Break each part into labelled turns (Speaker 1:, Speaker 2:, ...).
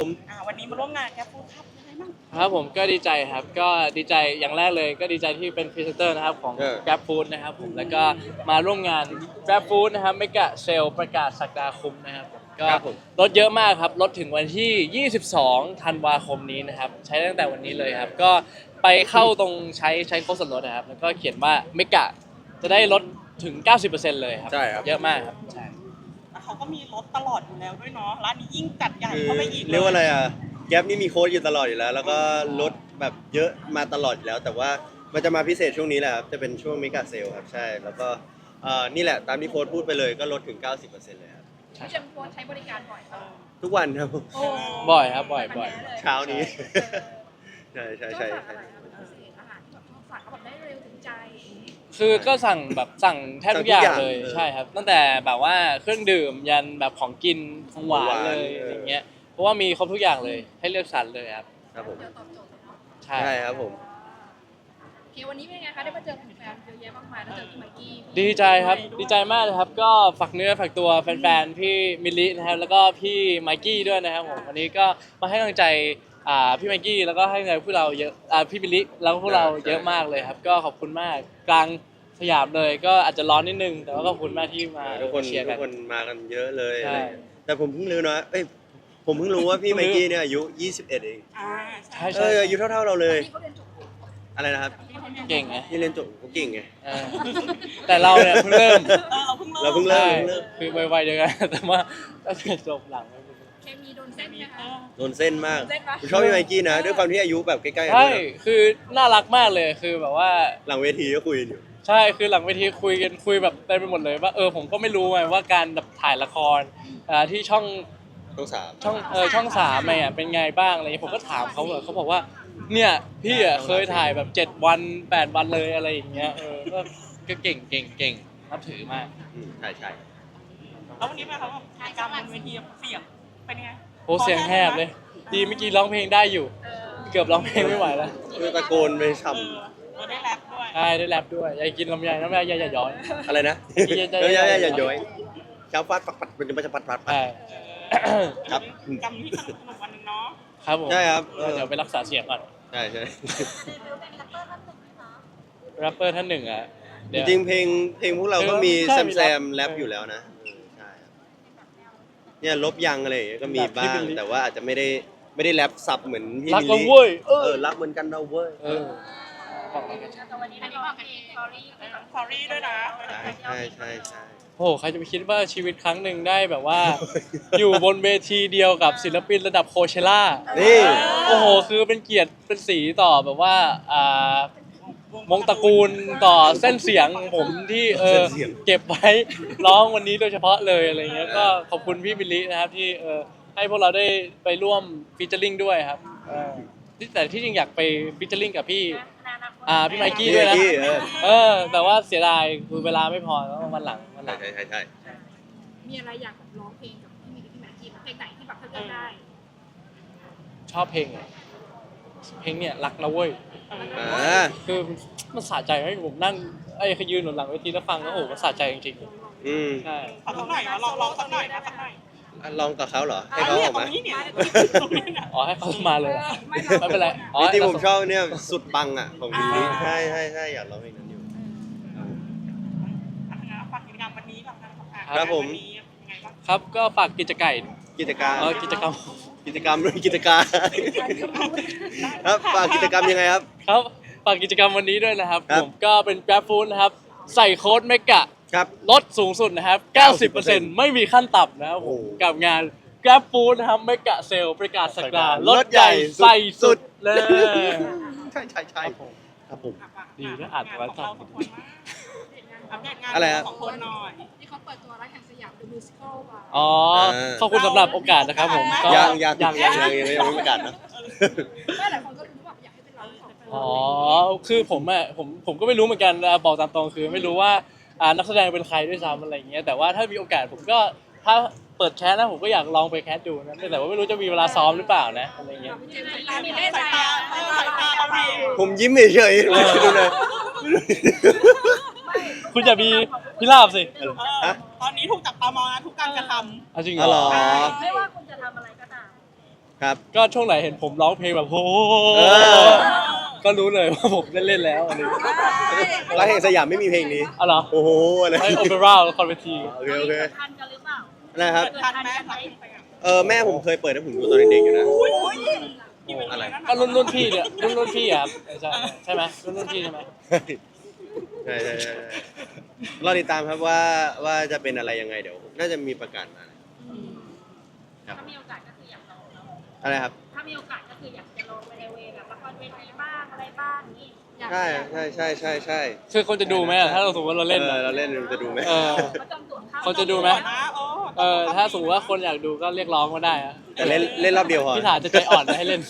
Speaker 1: วันนี้มาร่วมงานแกฟูดครับยังไงบ้าง
Speaker 2: ครับผมก็ดีใจครับก็ดีใจอย่างแรกเลยก็ดีใจที่เป็นพรีเซนเตอร์นะครับของ Grab Food นะครับผมแล้วก็มาร่วมงาน Grab Food นะครับเมกะเซลประกาศสักดาคุ้มนะครับผมก็ลดเยอะมากครับลดถึงวันที่ 22 ธันวาคมนี้นะครับใช้ตั้งแต่วันนี้เลยครับก็ไปเข้าตรงใช้โค้ดส่วนลดนะครับแล้วก็เขียนว่าเมกะจะได้ลดถึง 90% เลยครับ
Speaker 3: ใช่ครับ
Speaker 2: เยอะมากครับใช่
Speaker 1: แล้วเขาก็มีรถตลอดอยู่แล้วด้วยเนาะร้านนี้ยิ่งจัดใหญ่เข้าไปอีก
Speaker 3: เรียกว่าอะไรอ่ะแก๊ปนี่มีโค้ดอยู่ตลอดอยู่แล้ว แล้วก็ลดแบบเยอะมาตลอดอยู่แล้ว แต่ว่ามันจะมาพิเศษช่วงนี้แหละครับจะเป็นช่วงมิกาเซลครับใช่แล้วก็นี่แหละตามที่โค้ดพูดไปเลยก็ลดถึง 90%เลยครับ
Speaker 4: พี่เจมส์โค้ชใช้บริการบ่อยค่ะ
Speaker 3: ทุกวันครับ
Speaker 4: โอ้
Speaker 2: บ่อยครับบ่อย
Speaker 3: เช้านี้ ใช่ใช่
Speaker 4: ชอบ
Speaker 3: ใช่
Speaker 4: สั่งอะไรคะแบบพิเศษอาหารที่แบบชอบสั่งเขาแบบได้เร็วถึงใจ
Speaker 2: คือก็สั่งแทบทุกอย่างเลย
Speaker 3: เออ
Speaker 2: ใช่ครับตั้งแต่แบบว่าเครื่องดื่มยันแบบของกินของหวานเลย
Speaker 3: เอออ
Speaker 2: อะไรเงี้ยเพราะว่ามีครบทุกอย่างเลยให้เลือกสรรเลยครับ
Speaker 3: ครับผม
Speaker 4: เดี๋ยวตอบโจทย์เลยเนาะ
Speaker 2: ใช่
Speaker 3: ใช่ครับผม
Speaker 4: โอเควันนี้เป็นไงคะได้มาเจอแฟนๆเยอะแยะมากมายแล้วเจอพี่ไมค์กี้พี่
Speaker 2: ดีใจครับดีใจมากเลยครับก็ฝากเนื้อฝากตัวแฟนๆพี่มิลลินะครับแล้วก็พี่ไมค์กี้ด้วยนะครับผมวันนี้ก็มาให้กำลังใจพี่ไมค์กี้แล้วก็ให้กำลังใจพวกเราเยอะพี่มิลลิแล้วก็พวกเราเยอะมากเลยครับก็ขอบคุณมากกลางสยามเลยก็อาจจะร้อนนิดนึงแต่ว่าก็ขอบคุณมากที่มา
Speaker 3: ทุกคน
Speaker 2: เชียร์
Speaker 3: ทุ
Speaker 2: กั
Speaker 3: ก
Speaker 2: น
Speaker 3: คนมากันเยอะเลย
Speaker 2: ใช่
Speaker 3: อะไรอย่างเงี้ยแต่ผมเพิ่งรู้นะผมเพิ่งรู้ว่าพี่ไมค์กี้เนี่ยอายุ 21 เอง
Speaker 2: ใช่
Speaker 3: อายุเท่าเราเลย
Speaker 4: พี่เขาเรียนจบ
Speaker 3: อะไรนะครับ
Speaker 2: เก่งไง
Speaker 3: ที่เรียนจบเขาเก่งไง
Speaker 2: เออแต่เราเนี่ยเพิ่งเริ่ม
Speaker 3: เราเพิ่งเริ่ม
Speaker 2: ใช่คือไวๆเดียวกัน แต่ว่าก็จะจบหลัง
Speaker 4: เคมีโดนเส้นไหมคะ
Speaker 3: โดนเส้นมาก
Speaker 4: โดนเส้นปะ
Speaker 3: ผมชอบพี่ไมค์กี้นะ ด้วยความที่อายุแบบใกล้ๆกัน
Speaker 2: ใช่
Speaker 3: ด้วยเนอะ
Speaker 2: คือน่ารักมากเลยคือแบบว่า
Speaker 3: หลังเวทีก็คุยกันอยู่
Speaker 2: ใช่คือหลังเวทีคุยแบบเต็มไปหมดเลยว่าผมก็ไม่รู้ไงว่าการแบบถ่ายละครที่ช่อง
Speaker 3: ต้องสาม
Speaker 2: ช่อง3เนี่ยเป็นไงบ้างอะไรเงี้ยผมก็ถามเขาเขาบอกว่าเนี่ยพี่อ่ะเคยถ่ายแบบ7 วัน 8 วันเลยอะไรอย่างเงี้ยก็เก่งนับถือมาก
Speaker 3: ใช่ใช่
Speaker 1: แล้ววันนี้มาเขาแบบกิจกรรมบนเวทีเสียงเป็นไง
Speaker 2: โหเสียงแหบเลย ดีเมื่อกี้ร้องเพลงได้อยู่ เกือบร้องเพลงไม่ไหวแล้ว
Speaker 3: คือตะโกนไปฉ่
Speaker 1: เราได้แรปด้วย
Speaker 2: ใช่ได้แรปด้วยอยากกินลำไยน้ำลายอย่าย้อย
Speaker 3: ำอะไรนะ
Speaker 2: อย่า
Speaker 3: อย่าย้อยเช้าฟัดปัดเป็นจะปัด
Speaker 2: ใช่
Speaker 3: ครับ
Speaker 1: กรรมที่สนุกวันหนึ่งเนาะ
Speaker 2: ครับผม
Speaker 3: ใช่ครับ
Speaker 2: เดี๋ยวไปรักษาเสียงก่อน
Speaker 3: ใช่ใช่
Speaker 2: แรปเปอร์ท่านหนึ่งอ่ะ
Speaker 3: จริงๆเพลงพวกเราก็มี
Speaker 2: ใช่
Speaker 3: แซม
Speaker 2: มี
Speaker 3: แร
Speaker 2: แร
Speaker 3: ป
Speaker 2: ป
Speaker 3: อยู่แล้วนะใช่ครับเนี่ยลบยังอะไรอย่างเงี้ยก็มี
Speaker 2: แบบที่
Speaker 3: บ้าง
Speaker 2: เป็นลิ
Speaker 3: แต่ว่าอาจจะไม่ได้แรปซับเหมือนพี่
Speaker 2: รัก
Speaker 3: มิล
Speaker 2: เรา
Speaker 3: ลี่
Speaker 2: เว้ย
Speaker 3: รักเหมือนกันเราเว้ย
Speaker 2: บอกแล้วกัน
Speaker 4: แต่วันนี้อันนี้บอกเป็นสตอรี่
Speaker 1: สอรี่ด้วยนะ
Speaker 3: ใช่ใช่ใช่
Speaker 2: โอ้โหใครจะไปคิดว่าชีวิตครั้งหนึ่งได้แบบว่า อยู่บนเวทีเดียวกับศิลปินระดับโคเชล่า
Speaker 3: นี่
Speaker 2: โอ้โหคือเป็นเกียรติเป็นสีต่อแบบว่าวงตระกูลต่อเส้นเสียงผมที่เก็บไว้ร้องวันนี้โดยเฉพาะเลยอะไรเงี้ยก็ขอบคุณพี่บิลลี่นะครับที่ให้พวกเราได้ไปร่วมฟีเจอริ่งด้วยครับแต่ที่จริงอยากไปฟีเจอริ่งกับพี่พี่ไมค์กี้ด้วยนะ
Speaker 3: พี่
Speaker 2: แต่ว่าเสียดายคือเวลาไม่พอแล้ววันหลัง
Speaker 3: ใช่
Speaker 4: มีอะไรอยากแบบร้องเพลงกับพี่มิกกับพี่ไมค์กี้เพลงไหนที่แบบเขาเลือกได้
Speaker 2: ชอบเพลงอะเพลงเนี่ยรักนะเว้ย คือมันสะใจให้ผมนั่งเขายืนหนุนหลังเวทีแล้วฟังแล้วโอ้โหมันสะใจจริง
Speaker 3: อืม
Speaker 2: ๆใช่
Speaker 1: เอาสักหน่อยมาลองสักหน่อยนะสักหน่อย
Speaker 3: ลองกับเขาเหรอให้เขาออก
Speaker 1: ตร
Speaker 3: มา
Speaker 1: งนี้เนี่ยตรงนี้เนี่ย
Speaker 2: อ๋อให้เขามาเลยเหรอไม่เป็นไรอ๋อ
Speaker 3: จริงๆผมชอบเนี่ยสุดปังอ่ะของบิลลี่ใช่อยากร้องเพลงนั้นอยู่
Speaker 1: ฝากกิจกรรมวันนี้กับงานของ
Speaker 3: ครับผม
Speaker 1: วันนี้ยังไงบ้าง
Speaker 2: ครับก็ฝากกิจการ
Speaker 3: กิจการ
Speaker 2: กิจกรรม
Speaker 3: กิจกรรมด้วยกิจการครับฝากกิจกรรมยังไงครับ
Speaker 2: ครับฝากกิจกรรมวันนี้ด้วยนะครับ
Speaker 3: ครับ
Speaker 2: ผมก็เป็น Grab Food นะครับใส่โค้ดเมกะ
Speaker 3: ครับ
Speaker 2: ลดสูงสุดนะครับ 90% ไม่มีขั้นต่ำนะครับผม
Speaker 3: โอ้
Speaker 2: กับงาน Grab Food นะครับเมกะเซลประกาศสักดาลดใหญ่ใส่สุดเลย
Speaker 3: ใช่ครับผม
Speaker 2: ดีนะอ่านไว้ก่อน
Speaker 1: อัปเดตงาน
Speaker 3: อะไรฮะ
Speaker 1: ของคนหน่อย
Speaker 4: ที่เขาเปิดตัวรักแห่งสยาม The Musical มา
Speaker 2: อ๋อขอบคุณสำหรับโอกาสนะครับผมก็
Speaker 3: ยังไม่ประกาศนะ
Speaker 4: ไม่หลายคนก็รู้แบบอยากให้เป็นเราสองคน
Speaker 2: อ๋อคือผมก็ไม่รู้เหมือนกันบอกตามตรงคือไม่รู้ว่านักแสดงเป็นใครด้วยซ้ำอะไรอย่างเงี้ยแต่ว่าถ้ามีโอกาสผมก็ถ้าเปิดแคสนะผมก็อยากลองไปแคสดูนะแต่ว่าไม่รู้จะมีเวลาซ้อมหรือเปล่านะอะไรเงี้ย
Speaker 4: เจมส์มีได้ใจ
Speaker 1: สายตา
Speaker 4: อ่ะ
Speaker 1: สายตาเราดี
Speaker 3: ผมยิ้มเฉยๆดูเลย
Speaker 2: คุณอย่ามีพิราบสิ
Speaker 1: ตอนนี้ถูกจับตามองนะทุกการกระทำ
Speaker 2: เอาจริงเห
Speaker 3: อ๋อเห
Speaker 2: ร
Speaker 3: ร
Speaker 2: อ
Speaker 3: อ
Speaker 4: ไม่ว่าคุณจะทำอะไรก็ตาม
Speaker 3: คครับ
Speaker 2: ก็ช่วงไหนเห็นผมร้องเพลงแบบโอ้
Speaker 3: เออ
Speaker 2: ก็รู้เลยว่าผมได้เล่นแล้วอะไรอย่างเงี้ย
Speaker 3: ร้านแห่งสยามไม่มีเพลงนี้
Speaker 2: อ๋อเหรอ
Speaker 3: โอ้โหอะไร
Speaker 2: ไอโอเปร่าละครเวที
Speaker 3: โอเคโอเค
Speaker 4: ทันกันหรือเปล่า
Speaker 3: นะครับ
Speaker 1: ทันไหม
Speaker 3: แม่ผมเคยเปิดให้ผมดูตอนเด็กๆอยู่นะ
Speaker 1: อุ้ย
Speaker 3: อะไร
Speaker 2: ก็รุ่นพี่เนี่ยรุ่นพี่อะครับใช่ไหมรุ่นพี่ใช่ไหม
Speaker 3: ใช่ใช่ใช่รอติดตามครับว่าจะเป็นอะไรยังไงเดี๋ยวน่าจะมีประกาศมาครับ
Speaker 4: ถ้ามีโอกาสก็คืออยากลองเนอะ
Speaker 3: อะไรครับ
Speaker 4: ถ้ามีโอกาสก็คืออยากจะลองไปในเวแบบละครเวทีบ้างอะไรบ้างนี่อยาก
Speaker 3: ใช่ใช่ใช่ใช่ใช่
Speaker 2: คือคนจะดูไหมอะถ้าเราสมมติว่าเราเล่นอะ
Speaker 3: เราเล่นจะดูไหม
Speaker 2: เออ
Speaker 4: ก็จองตั๋วเข้า
Speaker 2: คนจะดูไหม ถ้าสมมติว่าคนอยากดูก็เรียกร้องมาได้อะ
Speaker 3: แต่เล่นรอบเดียวพอ
Speaker 2: พี่ถาจะใจอ่อนนะให้เล่น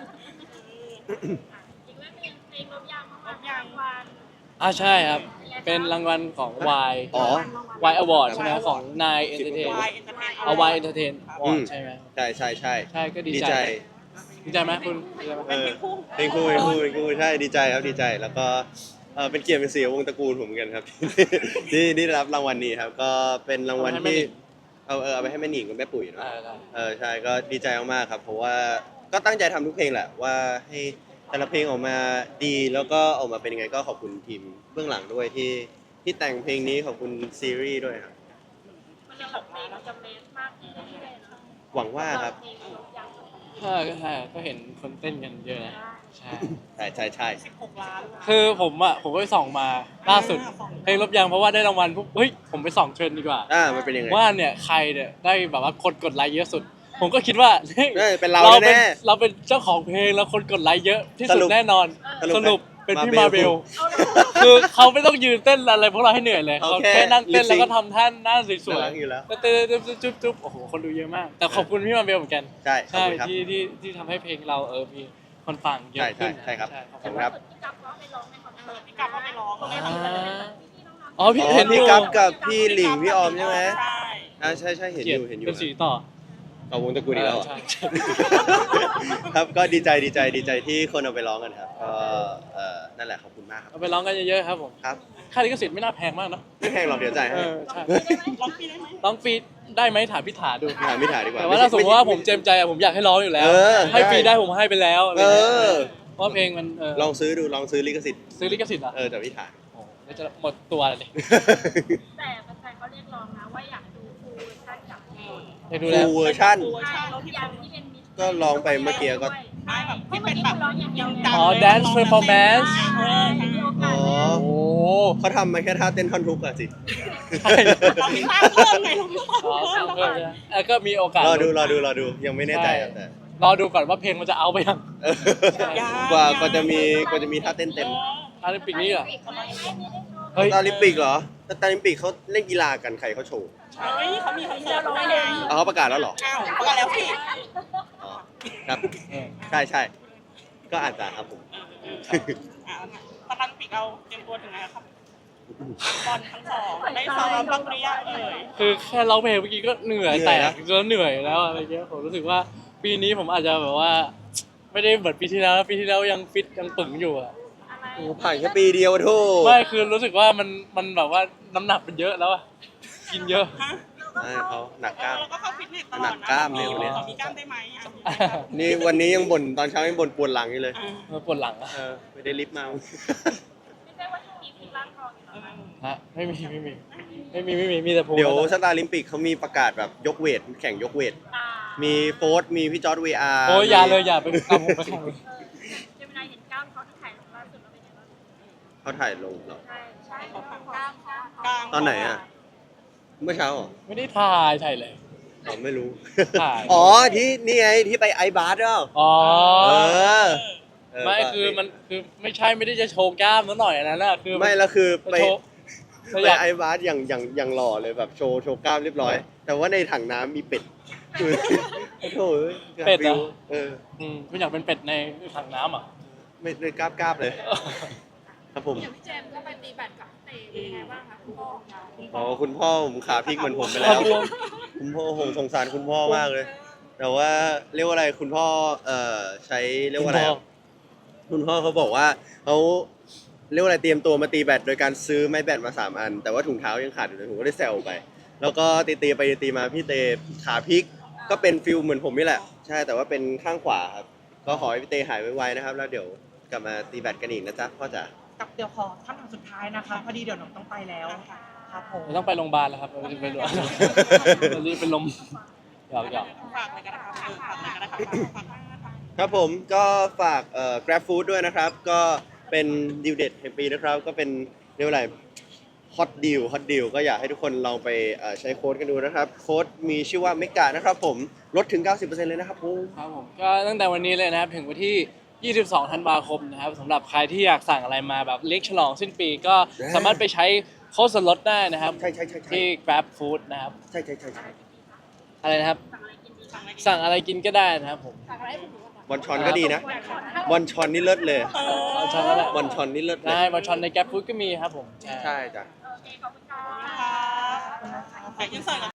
Speaker 4: อีกเรื่องหนึงเพลงลบยางมากๆยางวาน
Speaker 2: ใช่ครับ เป็นรางวัลของ Y
Speaker 3: อ๋อ
Speaker 2: Y Award ใช่ไหมของ Nine Entertain
Speaker 1: วายเอนเตอร์เทน
Speaker 2: เอา Y Entertain
Speaker 3: อื
Speaker 2: Award
Speaker 3: ม
Speaker 2: ใช่ไหม
Speaker 3: ใช่ใช่ใช่
Speaker 2: ใช่ก็ดี
Speaker 3: ดี
Speaker 2: ใจ
Speaker 3: ใจ
Speaker 2: ดีใจไหมคุณดีใจไหม
Speaker 3: เออเพลงคู่ใช่ดีใจครับดีใจแล้วก็เป็นเกียรติเป็นเสียวงตระกูลผมเหมือนกันครับ ที่ได้รับรางวัลนี้ครับ ก็เป็นรางวัลที่เอาไปให้แม่หนิงกับแม่ปุ๋ยเนอะ ใช่ก็ดีใจมากๆครับ เพราะว่าก็ตั้งใจทำทุกเพลงแหละว่าให้แต่ละเพลงออกมาดีแล้วก็ออกมาเป็นยังไงก็ขอบคุณทีมเบื้องหลังด้วยที่แต่งเพลงนี้ขอบคุณซีรีส์ด้วยครับ
Speaker 4: มันจะแบบเพลงมันจะเมสมากขึ้นเรื่อยๆเนอะ
Speaker 3: หวังว่าครับ
Speaker 4: เพลงลบยาง
Speaker 2: ก็เห็นคนเต้นกันเยอะนะใช่
Speaker 3: ใช่
Speaker 1: 16 ล้าน
Speaker 2: คือผมก็ไปส่องมาล่าสุดเพลงลบยางเพราะว่าได้รางวัลปุ๊บเฮ้ยผมไปส่องเทรนด์ดีกว่า
Speaker 3: มันเป็นยังไง
Speaker 2: ว่าเนี่ยใครเนี่ยได้แบบว่ากดไลค์เยอะสุด ผมก็คิดว่า
Speaker 3: เป็นเรา
Speaker 2: เป็น
Speaker 3: แน่
Speaker 2: เราเป็นเจ้าของเพลงแล้วคนกดไลค์เยอะที่
Speaker 3: ส
Speaker 2: สุ
Speaker 3: รุ
Speaker 2: ด
Speaker 3: ป
Speaker 2: แน่นอน
Speaker 3: สรุป
Speaker 2: สรุปเป็นพี่
Speaker 3: มา
Speaker 2: มา
Speaker 3: เบ
Speaker 2: เบ
Speaker 3: ล
Speaker 2: ลคือเขาไม่ต้องยืนเต้นอะไรพวกเราให้เหนื่อยเลย
Speaker 3: เขา
Speaker 2: เขา
Speaker 3: แค่
Speaker 2: แค่นั่งเต้น
Speaker 3: lip sync
Speaker 2: แล้วก็ทำท่าหน้าสวย
Speaker 3: น่ารักอยู่แล้ว
Speaker 2: ๆก็เต้นจุ๊บโอ้โหคนดูเยอะมาก แต่ขอบคุณพี่มาเบลเหมือนกัน
Speaker 3: ใช่ขอบ
Speaker 2: ใช่
Speaker 3: คุณครับ
Speaker 2: ที่ทำให้เพลงเรามีคนฟังเยอะขึ้น
Speaker 3: ใช่ครับ
Speaker 2: ขอบ
Speaker 3: ขอบ
Speaker 2: คุ
Speaker 3: คุณ ณครับ
Speaker 4: ที่กับเขาไปร้องในคอนเสิร์ต
Speaker 1: พี่กลับเข้าไปร้อง
Speaker 4: ปกติมันจะเป็นแบบพี่น้องๆ
Speaker 2: อ๋อพี่
Speaker 3: อ๋อ
Speaker 2: เห็นอ
Speaker 3: พี่
Speaker 2: ยู่
Speaker 3: กัฟกับพี่หลิงพี่ออมใช่ไหม
Speaker 1: ใช่
Speaker 3: ใช่เห็น
Speaker 2: เกี
Speaker 3: อย
Speaker 2: รติ
Speaker 3: ยู่เห็นอยู่
Speaker 2: เป็นสีต่อ
Speaker 3: เอาวงตระกูลอีกแล้วเหรอ
Speaker 2: ใช่
Speaker 3: ครับก็ดีใจที่คนเอาไปร้องกันครับก็นั่นแหละขอบคุณมากครับ
Speaker 2: เอาไปร้องกันเยอะๆครับผม
Speaker 3: ครับ
Speaker 2: ค่าลิขสิทธิ์ไม่น่าแพงมากเนอะ
Speaker 3: ไม่แพงหรอกเดี๋ยวจ่ายให้
Speaker 2: ใช่
Speaker 1: ร้องฟรีได้ไหม
Speaker 2: ร้องฟรีได้ไหมถามพี่ถาดู
Speaker 3: ถามพี่ถาดีกว่า
Speaker 2: แต่ว่าถ้าสมมติว่าผมเจมใจอะผมอยากให้ร้องอยู่แล้ว ให้ฟรีได้ผมให้ไปแล้วอะไร
Speaker 3: เอ
Speaker 2: เงี้ย
Speaker 3: อ
Speaker 2: เพราะเพลงมัน
Speaker 3: ลองซื้อดูลองซื้อลิขสิทธิ์
Speaker 2: ซื้อลิขสิทธิ์เหรอ
Speaker 3: แต่พี่ถา
Speaker 2: โอ้โหเดี๋ยวจะหมดตัวเลย
Speaker 4: แต่แฟนๆเขาเรียกร้องนะว่าอยากดูฟูลเวอร์ชันกับเพลง
Speaker 2: ได้ดูแล้ว
Speaker 3: ฟูลเวอร์ชั่น
Speaker 4: ใช่ลบยางที่เป็นมิส
Speaker 3: ก็ร้องไปเมื่อกี้ก็
Speaker 1: ไม่แบบ
Speaker 4: ไม่
Speaker 1: ที่
Speaker 4: เมื่
Speaker 1: เป็
Speaker 4: อน กี้
Speaker 1: แบบ
Speaker 4: ร้องอย่างเดียวเลย
Speaker 2: อ๋อ dance performance
Speaker 4: ใช่มีโอกาส
Speaker 3: อ๋อ
Speaker 4: ได้
Speaker 2: โอ้
Speaker 3: เขาทำมาแค่ท่าเต้นท่อนทุกอะสิ
Speaker 2: ใช่
Speaker 1: เราไม่สร้างเพิ่มไงเราไม่สร้าง
Speaker 2: อ๋อ
Speaker 1: เพิ่ม
Speaker 2: เพิ่มใช่ไหมก็มีโอกาส
Speaker 3: รอดูยังไม่แน่ใจครับแต่
Speaker 2: รอดูก่อนว่าเพลงมันจะเอาไปยัง
Speaker 3: เออกว่าจะมีท่าเต้นเต็ม
Speaker 2: อาริปิกนี้เหรอ
Speaker 4: ไม่ได้โชว์
Speaker 2: เฮ้ย
Speaker 3: ตาลิมปิกเหรอแต่ตาลิมปิกเขาเล่นกีฬากันใครเขาโชว์
Speaker 1: เฮ้ยเขามีคอนเสิร์ตด้วยไง
Speaker 3: เอาเขาประกาศแล้วเหรอ
Speaker 1: อ้าวประกาศแล้วสิ
Speaker 3: อ๋อครับ
Speaker 2: เออ
Speaker 3: ใช่ก็อาจจะครับผม
Speaker 1: ตารางปิกเราเตรียมตัวถึงไหนครับบอลทั้งสองได้ซ้อมบ้างหรือยังเอ่ย
Speaker 2: คือแค่ร้องเพลงเมื่อกี้ก็เหนื่อยแตกแล้วเหนื่อยแล้วอะไรเงี้ยผมรู้สึกว่าปีนี้ผมอาจจะแบบว่า ไม่ได้เหมือนปีที่แล้วยังฟิตยังปึงอยู่อะ
Speaker 3: โอ้ผ่านแค่ปีเดียวโทษ
Speaker 2: ไม่คือรู้สึกว่ามันแบบว่าน้ำหนักมันเยอะแล้วอะกินเยอะ
Speaker 1: ฮะ
Speaker 3: เขาหนักกล้าม
Speaker 1: เราก็เข้าฟิตเนสตลอด
Speaker 3: หนักกล้ามเลยวันนี้
Speaker 1: มีกล้ามได้ไหม
Speaker 3: นี่วันนี้ยังบ่นตอนเช้ายังบ่นปวดหลังอยู่เลย
Speaker 2: ปวดหลังอะ
Speaker 3: ไม่ได้ลิฟต์มา
Speaker 4: ไม่ใช่ว่าช่วงนี้พี่ร่างทองอยู่แล้วนะ
Speaker 2: ฮะไม่มีมีแต่ผม
Speaker 3: เดี๋ยวสตาร์ลิมปิกเขามีประกาศแบบยกเวทแข่งยกเวท มีโฟร์มีพี่จอร์ดวีอาร์
Speaker 2: โอ้ยอย่าเลยอย่าไปเอาผมไปแข่งเลย
Speaker 4: เจมินายเห็นกล้ามเขาที่ถ่ายลงล่าสุดแล้วเป็นยังไงบ้าง
Speaker 3: เขาถ่ายลงเหรอ
Speaker 4: ใช่กล้าม
Speaker 1: กลาง
Speaker 3: ตอนไหนอ่ะ เมื่อเช้าเหรอ
Speaker 2: ไม่ได้ถ่ายเลย
Speaker 3: ผมไม่รู้
Speaker 2: ถ่าย
Speaker 3: อ๋อที่นี่ไงที่ไปไอบาร์ดเปล่า
Speaker 2: อ๋อ
Speaker 3: เออ
Speaker 2: ไม่
Speaker 3: ก็
Speaker 2: คือมันคือไม่ได้จะโชว์กล้ามนิดหน่อยอันนั้นน่ะคือ
Speaker 3: ไม่แล้วคือไป
Speaker 2: โชว์
Speaker 3: ไป
Speaker 2: อยาก
Speaker 3: ไอบาร์อย่างหล่อเลยแบบโชว์กล้ามเรียบร้อย แต่ว่าในถังน้ำมีเป็ดคือโอ้โห
Speaker 2: เป็ดเหรอ คุณอยากเป็นเป็ดในถังน้ำอ่ะ
Speaker 3: ไม่เลยกล้าบเลย ครับผม
Speaker 4: อย่างพี่เจมส์ก็ไปตีแบดกับเตะเป็นยังไงบ้างคะคุณพ่อของเรา
Speaker 3: อ๋อคุณพ่อผมขาพลิกเหมือนผมไปแล้ว คุณพ่อผมสงสารคุณพ่อมากเลย แต่ว่าเรียกว่าอะไรคุณพ่อใช้เรียกว่าอะไรอะคุณพ่อเขาบอกว่าเขาเรียกว่าอะไรเตรียมตัวมาตีแบดโดยการซื้อไม้แบดมา3 อัน แต่ว่าถุงเท้ายังขาดอยู่เลยผมก็ได้แซวไป แล้วก็ตีไปตีมาพี่เตขาพลิกก็เป็นฟิลเหมือนผมนี่แหละ ใช้ช่แต่ว่าเป็นข้างขวาครับก็ขอให้พี่เตหายไวๆนะครับแล้วเดี๋ยวกลับมาตีแบตกันอีกนะจ๊ะพ่อจ๋า
Speaker 5: กับเดี๋ยวขอคำถามสุดท้ายนะคะพอดีเดี๋ยวน้องต้องไปแล้วครับผม
Speaker 2: เราต้องไปโรงพยาบาลแล้วครับเราจะไปโรงพยาบาลเราจะเป็นลมหยอก
Speaker 1: ฝากเลยก็ได้ครับฝากเลยก็ได้ครับฝาก
Speaker 3: ครับผมก็ฝากGrab Food ด้วยนะครับ ก็เป็นดีลเด็ดแห่งปีนะครับ ก็เป็นเรียกว่าอะไรฮอตดีลก็อยากให้ทุกคนลองไปใช้โค้ดกันดูนะครับ โค้ดมีชื่อว่าเมกานะครับผมลดถึง 90%เลยนะครับผม
Speaker 2: ครับผมก็ตั้งแต่วันนี้เลยนะครับถึงวันที่ 22 ธันวาคมนะครับสำหรับใครที่อยากสั่งอะไรมาแบบเลี้ยงฉลองสิ้นปีก็สามารถไปใช้โค้ดส่วนลดได้นะครับ
Speaker 3: ใช่ๆๆๆ
Speaker 2: ที่ Grab Food นะครับ
Speaker 3: ใช่
Speaker 2: อะไรนะครับ สั่งอะไรกินก็ได้นะครับผม
Speaker 4: ฝากอะไรให้ผมดูก่อน
Speaker 3: บอลชอนก็ดีนะบอลชอนนี่เลิศเลย
Speaker 2: เอาช้อนก็ได้
Speaker 3: บอลชอนนี่เลิศเลย
Speaker 2: ได้บอลชอนใน Grab Food ก็มีครับผม
Speaker 3: ใช่จ้ะ
Speaker 4: โอเคขอบคุณค่ะ
Speaker 1: ฝากยินเสิร์ตกัน